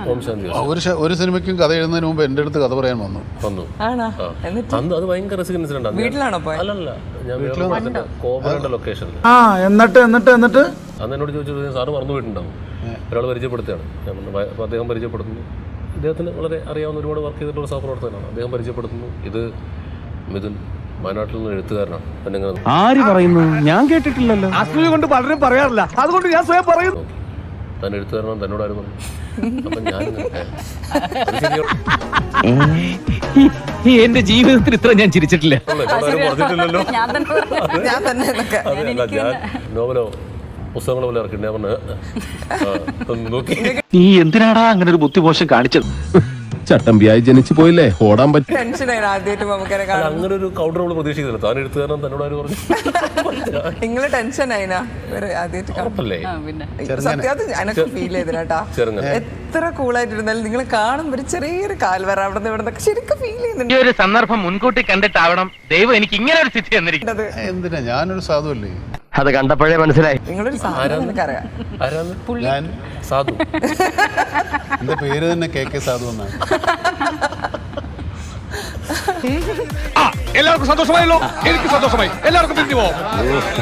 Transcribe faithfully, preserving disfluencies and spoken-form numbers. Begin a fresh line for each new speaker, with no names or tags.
ഓം ശാന്തി
ഒരു ഒരു സിനിമയ്ക്കും കഥ എഴുതുന്നതിന് മുമ്പ് എൻ്റെ അടുത്ത് കഥ പറയാൻ വന്നു
വന്നു
എന്നിട്ട്
അന്ന് അത് ഭയങ്കര രസിക്കുന്ന ഇൻസിഡന്റ്
വീട്ടിലാണോ പോയത്?
അല്ലല്ല ഞാൻ കോമകളുടെ ലൊക്കേഷനിൽ
ആ എന്നിട്ട് എന്നിട്ട് എന്നിട്ട്
അന്ന് എന്നോട് ചോദിച്ചു സാറ് മറന്നു പോയിട്ടുണ്ടാവും ഒരാൾ പരിചയപ്പെടുത്തുകയാണ് ഞാൻ പറഞ്ഞു അപ്പോൾ അദ്ദേഹം പരിചയപ്പെടുത്തുന്നു ഇദ്ദേഹത്തിന് വളരെ അറിയാവുന്ന ഒരുപാട് വർക്ക് ചെയ്തിട്ടുള്ള സഹപ്രവർത്തകനാണ് അദ്ദേഹം പരിചയപ്പെടുത്തുന്നു ഇത് മിഥുൻ വയനാട്ടിൽ നിന്ന് എഴുത്തുകാരനാണ് എന്നെങ്ങനെ
ആര് പറയുന്നു ഞാൻ കേട്ടിട്ടില്ലല്ലോ
അസൂയ കൊണ്ട് പലരും പറയാറില്ല അതുകൊണ്ട് ഞാൻ സ്വയം പറയുന്നു
താൻ എഴുത്തുകാരനാണ് തന്നോട് ആരും പറഞ്ഞു അപ്പം ഞാൻ
എന്റെ ജീവിതത്തിൽ ഇത്ര ഞാൻ ചിരിച്ചിട്ടില്ല
പറഞ്ഞിട്ടില്ലല്ലോ
ഞാൻ തന്നെ എന്നൊക്കെ.
അതെയല്ല ഞാൻ നോവലോ പുസ്തകങ്ങളോ പോലെ ഇറക്കിണ്ട് ഞാൻ പറഞ്ഞു നോക്കി
നീ എന്തിനാടാ അങ്ങനെ ഒരു ബുദ്ധിമോശം കാണിച്ചത്?
ചട്ടമ്പിയായി ജനിച്ചു പോയില്ലേ ഓടാൻ പറ്റും.
ടെൻഷനായിരുന്നു ആദ്യമായിട്ട് മമ്മൂക്കനെ കാണാൻ.
അങ്ങനെ ഒരു കൗണ്ടർ നമ്മൾ പ്രതീക്ഷിക്കുന്നില്ല താൻ എഴുത്തുകാരൻ തന്നോട് ആരും പറഞ്ഞു
നിങ്ങള് ടെൻഷനായിനാ ആദ്യമായിട്ട്
ഉറപ്പല്ലേ
സത്യാർത്ഥ എനക്ക് ഫീൽ ചെയ്തിട്ടാ
ചെറുങ്ങനെ
എത്ര കൂളായിട്ടിരുന്നാലും നിങ്ങൾ കാണുമ്പോൾ ഒരു ചെറിയൊരു കാൽവര അവിടെ നിന്ന് ഇവിടെ നിന്നൊക്കെ ശരിക്കും ഫീൽ ചെയ്യുന്നുണ്ട്.
ഈ ഒരു സന്ദർഭം മുൻകൂട്ടി കണ്ടിട്ടാവണം ദൈവം എനിക്ക് ഇങ്ങനെ ഒരു സ്ഥിതി തന്നിരിക്കുന്നത്.
എന്തിനാ ഞാനൊരു സാധുവല്ലേ?
അത് കണ്ടപ്പോഴേ മനസ്സിലായി
നിങ്ങളൊരു സാധനം എനിക്കറിയാം.
ആരാന്ന്
ഞാൻ
സാധു
എൻ്റെ പേര് തന്നെ കെ കെ സാധു എന്നാണ്.
എല്ലാവർക്കും സന്തോഷമായല്ലോ. എനിക്ക് സന്തോഷമായി. എല്ലാവർക്കും പിരിഞ്ഞു പോവാം.